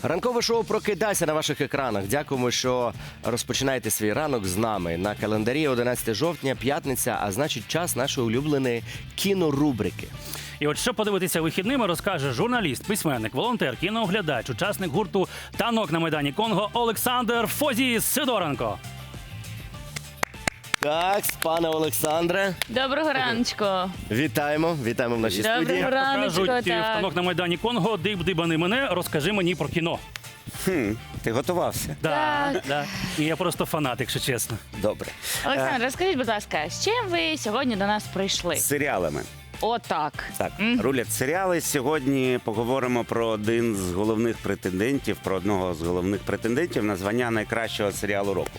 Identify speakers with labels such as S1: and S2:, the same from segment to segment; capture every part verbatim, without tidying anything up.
S1: Ранкове шоу «Прокидайся» на ваших екранах. Дякуємо, що розпочинаєте свій ранок з нами. На календарі одинадцяте жовтня, п'ятниця, а значить час нашої улюбленої кінорубрики.
S2: І от що подивитися вихідними, розкаже журналіст, письменник, волонтер, кінооглядач, учасник гурту «Танок на Майдані Конго» Олександр Фозіс Сидоренко.
S1: Так, пане Олександре.
S3: Доброго раночку.
S1: Вітаємо, вітаємо в нашій
S3: Доброго
S1: студії.
S3: раночку,
S2: Кажуть,
S3: так.
S2: в «Танок на Майдані Конго» диб-дибани мене, розкажи мені про кіно.
S4: Хм, ти готувався?
S2: Да,
S3: Так.
S2: да. І я просто фанат, якщо чесно.
S4: Добре.
S3: Олександр, розкажіть, будь ласка, з чим ви сьогодні до нас прийшли?
S4: З серіалами.
S3: Отак.
S4: Так, рулять серіали. Сьогодні поговоримо про один з головних претендентів, про одного з головних претендентів на звання найкращого серіалу року.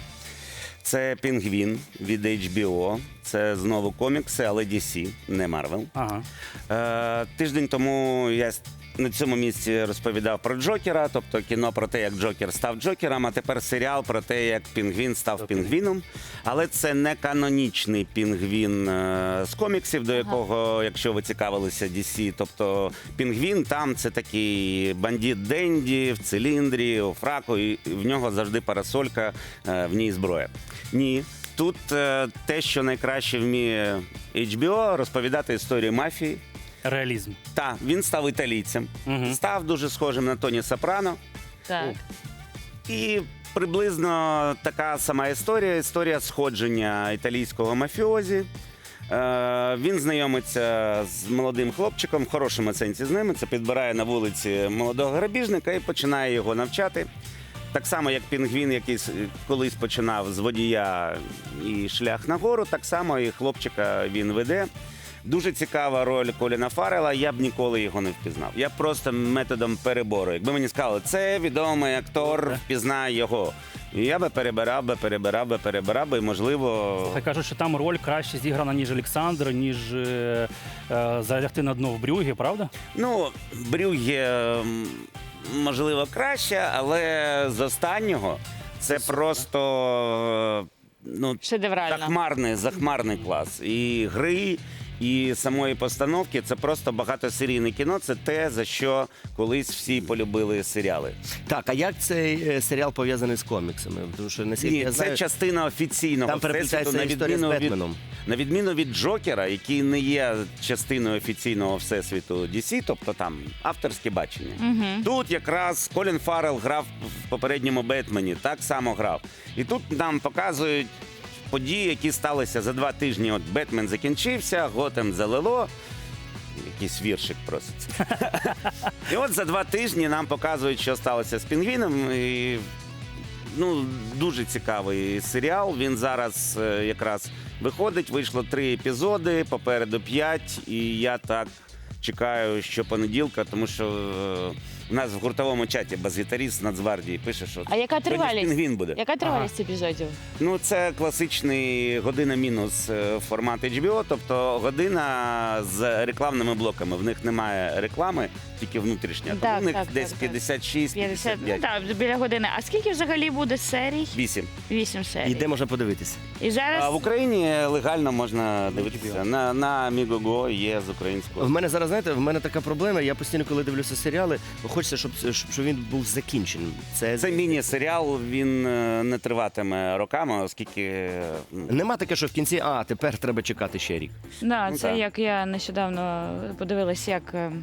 S4: Це «Пінгвін» від ейч бі о. Це знову комікси, але ді сі, не Марвел.
S2: Ага.
S4: Е, тиждень тому я на цьому місці розповідав про Джокера, тобто кіно про те, як Джокер став Джокером, а тепер серіал про те, як Пінгвін став Пінгвіном. Але це не канонічний Пінгвін е, з коміксів, до якого, якщо ви цікавилися ді сі, тобто Пінгвін там це такий бандит Денді в циліндрі, у фраку, і в нього завжди парасолька, е, в ній зброя. Ні. Тут е, те, що найкраще вміє ейч бі о, розповідати історію мафії.
S2: Реалізм.
S4: Так, він став італійцем,
S2: Мгм.
S4: став дуже схожим на Тоні Сопрано.
S3: Так.
S4: І приблизно така сама історія, історія сходження італійського мафіозі. Е, він знайомиться з молодим хлопчиком, в хорошому сенсі з ними, це підбирає на вулиці молодого грабіжника і починає його навчати. Так само, як Пінгвін, який с- колись починав з водія і шлях нагору, так само і хлопчика він веде. Дуже цікава роль Коліна Фаррелла, я б ніколи його не впізнав. Я б просто методом перебору. Якби мені сказали, це відомий актор, впізнай його. І я би перебирав, би перебирав, би перебирав, би, і, можливо...
S2: Хай кажуть, що там роль краще зіграна, ніж Олександр, ніж е, е, залягти на дно в Брюгі, правда?
S4: Ну, Брюгге, м, можливо, краще, але з останнього це просто... Ну,
S3: Шедеврально.
S4: захмарний, захмарний клас. І гри, і самої постановки. Це просто багатосерійне кіно. Це те, за що колись всі полюбили серіали.
S1: Так, а як цей е, серіал пов'язаний з коміксами? Тому що, наскільки
S4: Ні,
S1: я
S4: це
S1: знаю,
S4: частина офіційного
S1: там переплітається
S4: всесвіту, на
S1: історія з
S4: відміну від,
S1: Бетменом.
S4: на відміну від Джокера, який не є частиною офіційного всесвіту ді сі, тобто там авторське бачення.
S3: Угу.
S4: Тут якраз Колін Фаррелл грав в попередньому Бетмені, так само грав. І тут нам показують події, які сталися за два тижні. От Бетмен закінчився, Готем залило. Якийсь віршик проситься. І от за два тижні нам показують, що сталося з Пінгвіном. І, ну, дуже цікавий серіал. Він зараз е, якраз виходить. Вийшло три епізоди, попереду п'ять. І я так чекаю щопонеділка, тому що е, у нас в гуртовому чаті бас-гітаріст з Нацгвардії пише, що
S3: А яка
S4: сьогодні ж
S3: тривалість?
S4: Пінгвін буде.
S3: Яка тривалість епізодів?
S4: Ну, це класичний година мінус е, формат ейч бі о, тобто година з рекламними блоками. В них немає реклами, тільки внутрішня. Тому
S3: Так,
S4: у них
S3: так,
S4: десь
S3: так, так.
S4: п'ятдесят шість
S3: п'ятдесят,
S4: п'ятдесят
S3: ну
S4: п'ять.
S3: так, біля години. А скільки взагалі буде серій?
S4: Вісім.
S3: Вісім серій.
S1: і де можна подивитися?
S3: І зараз...
S4: А в Україні легально можна дивитися. На, на Мігого є з українського.
S1: В мене зараз, знаєте, в мене така проблема. Я постійно, коли дивлюся серіали, хочеться, щоб, щоб, щоб він був закінченим. Це,
S4: Це міні-серіал, він е, не триватиме роками, оскільки е, ну,
S1: Нема таке, що в кінці, а, тепер треба чекати ще рік.
S3: Да,
S4: Ну,
S3: це
S4: так.
S3: як я нещодавно подивилась, як... е,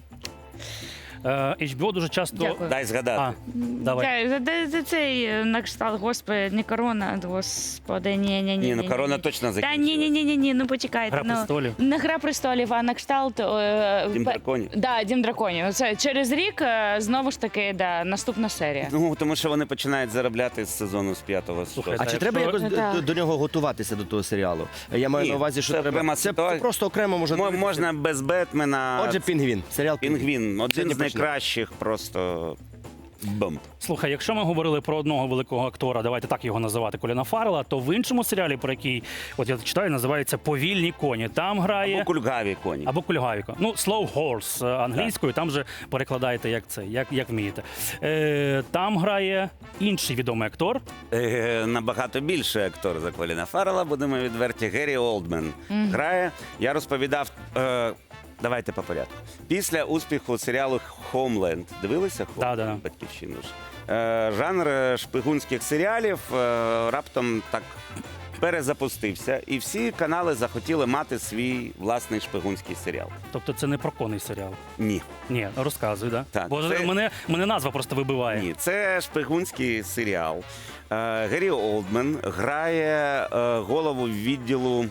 S2: Е, ейч бі о дуже часто...
S3: Дякую.
S4: дай згадати.
S2: А, давай.
S3: Я, за, за, за цей е, на кшталт, господи, не корона, господи, ні, ні, ні.
S4: Ні, ну корона точно
S3: Та
S4: закінчилась.
S3: ні, ні, ні, ні, ні, ну почекайте.
S2: Гра
S3: ну,
S2: престолів.
S3: Не Гра престолів, а на кшталт... Е,
S4: Дім
S3: пе-
S4: драконів.
S3: Да, Дім драконів. Це через рік е, знову ж таки, да, наступна серія.
S4: Ну, тому що вони починають заробляти з сезону з п'ятого.
S2: Слухай,
S1: А
S2: Та
S1: чи
S2: якщо-
S1: треба якось
S3: Ну,
S1: до,
S3: так.
S1: до, до нього готуватися до того серіалу? Я маю
S4: Ні,
S1: на увазі, що
S4: це
S1: треба.
S4: окрема
S1: Це,
S4: ситуація.
S1: це просто окремо можна.
S4: Мо-
S1: дивитися.
S4: Можна без Бетмена.
S1: Отже, Пінгвін. Серіал
S4: Пінгвін, один
S1: Сьогодні
S4: з
S1: почнемо.
S4: найкращих просто бомб.
S2: Слухай, якщо ми говорили про одного великого актора, давайте так його називати, Коліна Фаррелла, то в іншому серіалі, про який, от я читаю, називається «Повільні коні». Там грає...
S4: Або кульгаві коні.
S2: Або кульгавіко. Ну, slow horse е, англійською, там же перекладаєте як це, як, як вмієте. Е, там грає інший відомий актор.
S4: Е, набагато більший актор за Коліна Фаррелла, будемо відверті, Геррі Олдмен грає. Я розповідав. Е, давайте по порядку. Після успіху серіалу «Homeland» дивилися «Homeland»?
S2: Да, да, да.
S4: Батьківщину ж. Е, жанр шпигунських серіалів е, раптом так перезапустився, і всі канали захотіли мати свій власний шпигунський серіал.
S2: Тобто це не про коней серіал.
S4: Ні.
S2: Ні, розказуй, да?
S4: Так,
S2: Бо
S4: це-
S2: мене, мене назва просто вибиває.
S4: Ні, це шпигунський серіал. Е, Геррі Олдмен грає е, голову відділу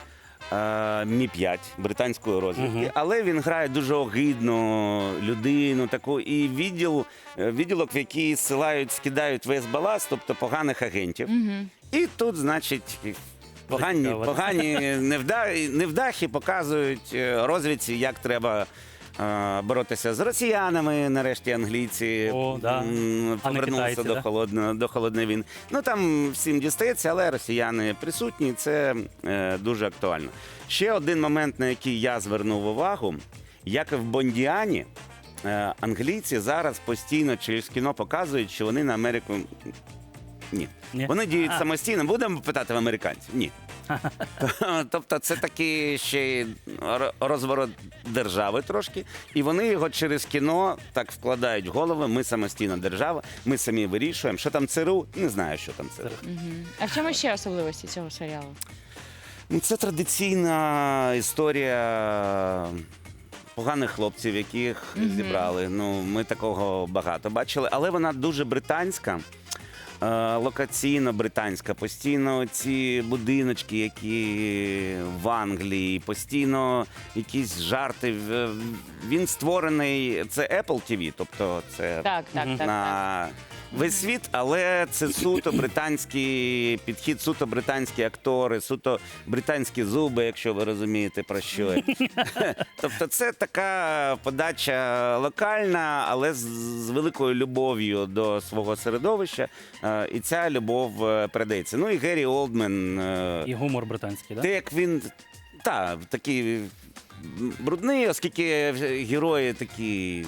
S4: е, Мі п'ять британської розвідки,
S2: Мгм.
S4: але він грає дуже огидну людину, таку і відділ, е, відділок, в який зсилають, скидають весь баласт, тобто поганих агентів.
S3: Угу.
S4: І тут, значить, погані,
S2: Цікаво.
S4: погані невда- невдахи показують е, розвідці, як треба е, боротися з росіянами, нарешті англійці
S2: О, да.
S4: м,
S2: А не
S4: повернулися
S2: китайці,
S4: до,
S2: да?
S4: холодної, до холодної війни. Ну там всім дістається, але росіяни присутні, це е, дуже актуально. Ще один момент, на який я звернув увагу, як і в Бондіані, е, англійці зараз постійно через кіно показують, що вони на Америку. Ні.
S2: Ні?
S4: Вони діють
S2: А.
S4: самостійно. Будемо питати в американців? Ні. Тобто це такий ще й ро- розворот держави трошки. І вони його через кіно так вкладають в голови. Ми самостійна держава, ми самі вирішуємо. Що там ЦРУ? Не знаю, що там ЦРУ.
S3: А в чому ще особливості цього серіалу?
S4: Ну, це традиційна історія поганих хлопців, яких зібрали. Ну, ми такого багато бачили, але вона дуже британська. е, Локаційно британська, постійно ці будиночки, які в Англії, постійно якісь жарти. В- Він створений, це Apple ті ві, тобто це
S3: Так, так,
S2: Мгм.
S3: так. так.
S4: на весь світ, але це суто британський підхід, суто британські актори, суто британські зуби, якщо ви розумієте про що. я. Тобто це така подача локальна, але з, з великою любов'ю до свого середовища. Е, І ця любов е, передається. Ну і Геррі Олдмен. е,
S2: І гумор британський,
S4: те,
S2: да?
S4: як він та, такий брудний, оскільки герої такі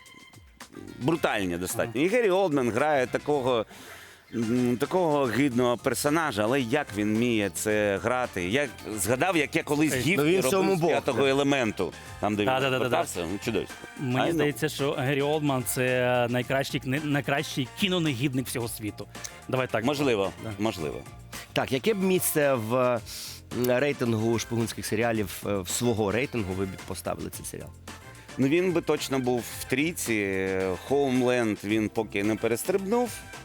S4: брутальні достатньо. І Геррі Олдмен грає такого, м, такого гидного персонажа, але як він вміє це грати? Я згадав, як я колись
S2: Ну,
S4: гіф
S1: він в цьому
S4: робив з
S1: Бог.
S4: п'ятого елементу. Там, де він
S2: Да-да-да-да-да.
S4: повертався, ну, чудовисько.
S2: Мені
S4: Ай, ну.
S2: здається, що Геррі Олдман це найкращий, кни- найкращий кінонегідник всього світу. Давай так.
S4: Можливо,
S2: Да.
S4: можливо.
S1: Так, яке б місце в м, рейтингу шпигунських серіалів е, в свого рейтингу ви б поставили цей серіал?
S4: Ну він би точно був в трійці. Хоумленд він поки не перестрибнув.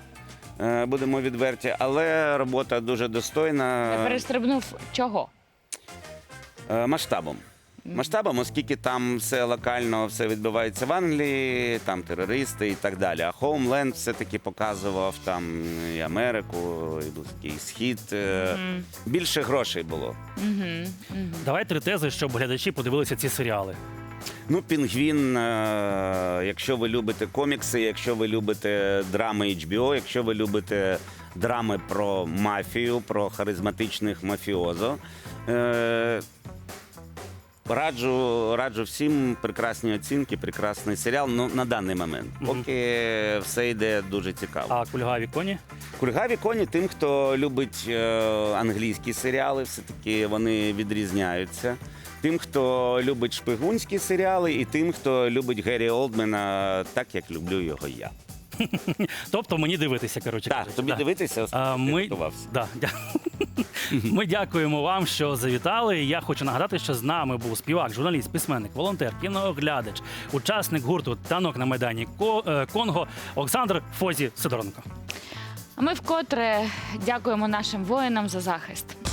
S4: е, Будемо відверті, але робота дуже достойна.
S3: Не перестрибнув чого?
S4: Е, масштабом. Масштабом, оскільки там все локально, все відбувається в Англії, там терористи і так далі. А Homeland все-таки показував там і Америку, і Близький Схід. Е,
S3: Мгм.
S4: Більше грошей було.
S3: Мгм. Мгм.
S2: Давай три тези, щоб глядачі подивилися ці серіали.
S4: Ну, Пінгвін, е, якщо ви любите комікси, якщо ви любите драми ейч бі о, якщо ви любите драми про мафію, про харизматичних мафіозо. Е, Раджу, раджу всім прекрасні оцінки, прекрасний серіал. Ну, на даний момент.
S2: Мгм.
S4: Поки все йде дуже цікаво.
S2: А кульгаві коні?
S4: Кульгаві коні тим, хто любить е, англійські серіали, все-таки вони відрізняються. Тим, хто любить шпигунські серіали, і тим, хто любить Геррі Олдмена, так як люблю його я.
S2: Тобто мені дивитися, коротше.
S4: Так,
S2: кажучи.
S4: тобі
S2: Да.
S4: дивитися,
S2: А,
S4: оскільки
S2: ми...
S4: ти готувався.
S2: Да, дя... ми дякуємо вам, що завітали. Я хочу нагадати, що з нами був співак, журналіст, письменник, волонтер, кінооглядач, учасник гурту «Танок на Майдані Ко- е, Конго» Олександр Фозі Сидоренко.
S3: А ми вкотре дякуємо нашим воїнам за захист.